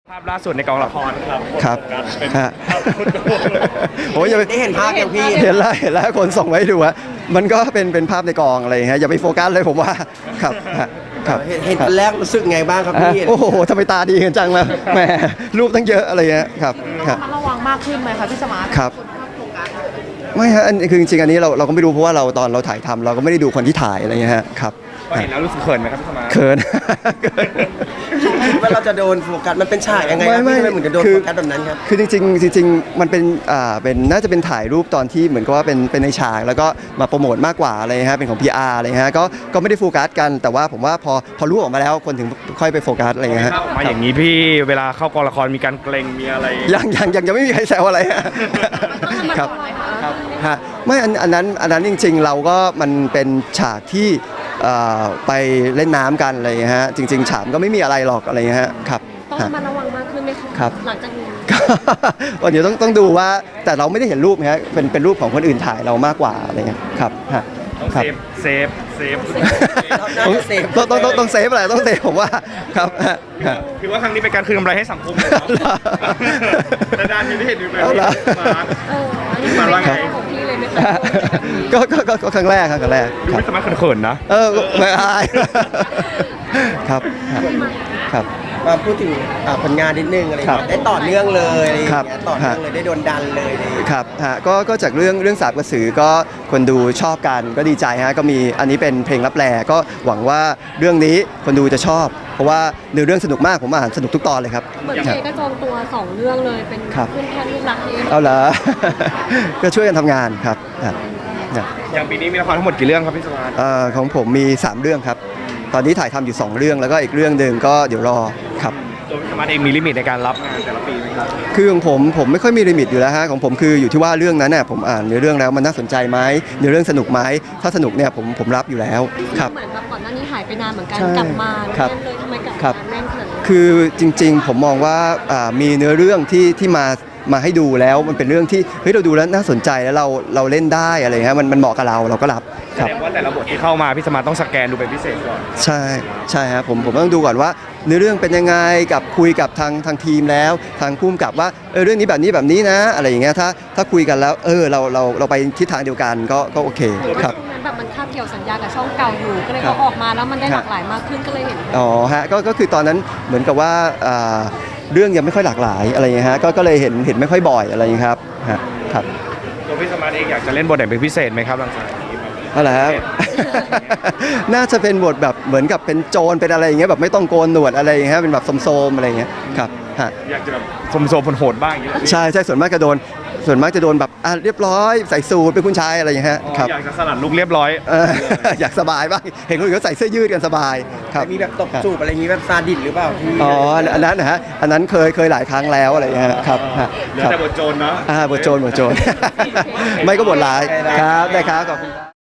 ภาพล่าสุดในกองละครครับครับเป็นฮะภาพพุทธโลกเลยโอ้ยอย่าไปได้เห็นภาพยังพี่เห็นแล้วคนส่งมาให้ดูอะมันก็เป็นภาพในกองอะไรอย่างเงี้ยอย่าไปโฟกัสเลยผมว่าครับฮะครับเห็นตอนแรกรู้สึกไงบ้างครับพี่โอ้โหทำไมตาดีกันจังล่ะแหมรูปตั้งเยอะอะไรเงี้ยครับครับระวังมากขึ้นไหมคะพี่สมาร์ทครับไม่ฮะอันคือจริงๆอันนี้เราก็ไม่รู้เพราะว่าเราตอนเราถ่ายทำเราก็ไม่ได้ดูคนที่ถ่ายอะไรเงี้ยฮะครับพอเห็นแล้วรู้สึกเขินไหมครับพี่สมาร์ทเขินคิดว่าเราจะโดนโฟกัสมันเป็นฉากยังไงครับพี่ทำไมเหมือนจะโดนโฟกัสแบบนั้นครับคือจริงๆมันเป็นน่าจะเป็นถ่ายรูปตอนที่เหมือนกับว่าเป็นในฉากแล้วก็มาโปรโมทมากกว่าอะไรฮะเป็นของ PR อะไรฮะก็ไม่ได้โฟกัสกันแต่ว่าผมว่าพอรู้ออกมาแล้วคนถึงค่อยไปโฟกัสอะไรเงี้ยฮะออกมาอย่างนี้พี่เวลาเข้ากองละครมีการเกรงมีอะไรยังไม่มีใครแซวอะไรฮะครับฮะไม่อันนั้นจริงๆเราก็มันเป็นฉากที่ไปเล่นน้ำกันอะไรเงี้ยฮะจริงๆฉากก็ไม่มีอะไรหรอกอะไรเงี้ยฮะครับต้องระมัดระวังมากขึ้นไหมคะครับหลังจากนี้วันเดี๋ยวต้องดูว่าแต่เราไม่ได้เห็นรูปนะฮะเป็นรูปของคนอื่นถ่ายเรามากกว่าอะไรเงี้ยครับฮะต้องครับเซฟต้องเซฟอะไรต้องเซฟผมว่าครับฮะฮะคือว่าครั้งนี้เป็นการคืนกำไรให้สังคมเลยเนาะแต่ด้านนี้ได้เห็นดูแบบเอานี้ละอันนี้เป็นเรื่องของพี่เลยไหมคะก็ครั้งแรกครับครั้งแรกดูครับไม่สามารถเขินๆนะไม่อายครับครับมาพูดถึงผลงานนิดนึงอะไรอย่างครับเงี้ยได้ต่อเนื่องเลยอะไรอย่างครับเงี้ยต่อเนื่องเลยได้โดนดันเลยอะไรอย่างเงี้ยครับฮะก็จากเรื่องสาบกระสือก็คนดูชอบกันก็ดีใจฮะก็มีอันนี้เป็นเพลงรับแลก็หวังว่าเรื่องนี้คนดูจะชอบ เพราะว่าเนื้อเรื่องสนุกมากผมอ่านสนุกทุกตอนเลยครับเหมือนเจก็จองตัว2 เรื่องเลยเป็นครับเพื่อนแทนลูกรักเองเอาเหรอ ก็ช่วยกันทำงานครับครับเนี่ยอย่างปีนี้มีละครทั้งหมดกี่เรื่องครับพี่สมาร์ทของผมมี 3 เรื่องครับ ตอนนี้ถ่ายทำอยู่ 2 เรื่องแล้วก็อีกเรื่องหนึ่งก็เดี๋ยวรอครับตัวพี่สมาร์ทเองมีลิมิตในการรับงานแต่ละปีไหมครับคือของผมไม่ค่อยมีลิมิตอยู่แล้วฮะของผมคืออยู่ที่ว่าเรื่องนั้นน่ะผมอ่านในเรื่องแล้วมันน่าสนใจไหมในเรื่องสนุกไหมถ้าสนุกเนี่ยผมรับอยู่แล้วครับเหมือนแบบก่อนหน้านี้หายไปนานเหมือนกันใช่กลับมาครับแน่นเลยทำไมกลับครัมาบแน่นขนาดนี้คือจริงๆผมมองว่ามีเนื้อเรื่องที่มาให้ดูแล้วมันเป็นเรื่องที่เฮ้ยเราดูแล้วน่าสนใจแล้วเราเล่นได้อะไรเงี้ยมันเหมาะกับเราก็รับแสครับดงว่าแต่ละบทที่เข้ามาพี่สมาร์ทต้องสแกนดูเป็นพิเศษก่อนใช่ฮะผมต้องดูก่อนว่าเนื้อเรื่องเป็นยังไงกับคุยกับทางทีมแล้วทางผู้กำกับว่าเรื่องนี้แบบนี้นะอะไรอย่างเงี้ยถ้าคุยกันแล้วเราไปทิศทางเดียวกันก็โอเคครับช่วงนั้นแบบมันคาบเกี่ยวสัญญากับช่องเก่าอยู่ก็เลยครับพอออกมาแล้วมันได้หลากหลายมากขึ้นก็เลยเห็นอ๋อฮะก็คือตอนนั้นเหมือนกับว่าเรื่องยังไม่ค่อยหลากหลายอะไรอย่างเงี้ยฮะก็เลยเห็นไม่ค่อยบ่อยอะไรอย่างเงี้ยครับฮะครับตัวพี่สมาร์ทเองอยากจะเล่นบทไหนเป็นพิเศษไหมครับหลังจากนี้อะไรครับ น่าจะเป็นบทแบบเหมือนกับเป็นโจรเป็นอะไรอย่างเงี้ยแบบไม่ต้องโกนหนวดอะไรอย่างเงี้ยเป็นแบบโสมๆอะไรอย่างเงี้ยครับฮะอยากจะแบบโสมๆโหดๆบ้างอย่างนี้เหรอพี่ใช่ส่วนมากจะโดนแบบเรียบร้อยใส่สูทเป็นคุณชายอะไรอย่างเงี้ยฮะอ๋อครับอยากจะสลัดลุกเรียบร้อยอยากสบายบ้างเห็นคนอื่นเขาใส่เสื้อยืดกันสบายครับมีแบบตบจูบอะไรอย่างงี้แบบซาดิสหรือเปล่าพี่อ๋ออันนั้นนะฮะอันนั้นเคยหลายครั้งแล้วอะไรอย่างเงี้ยฮะครับฮะเหลือครับแต่บทโจรเนาะบทโจร ไม่ก็บทร้ายครับได้ครับขอบคุณครับ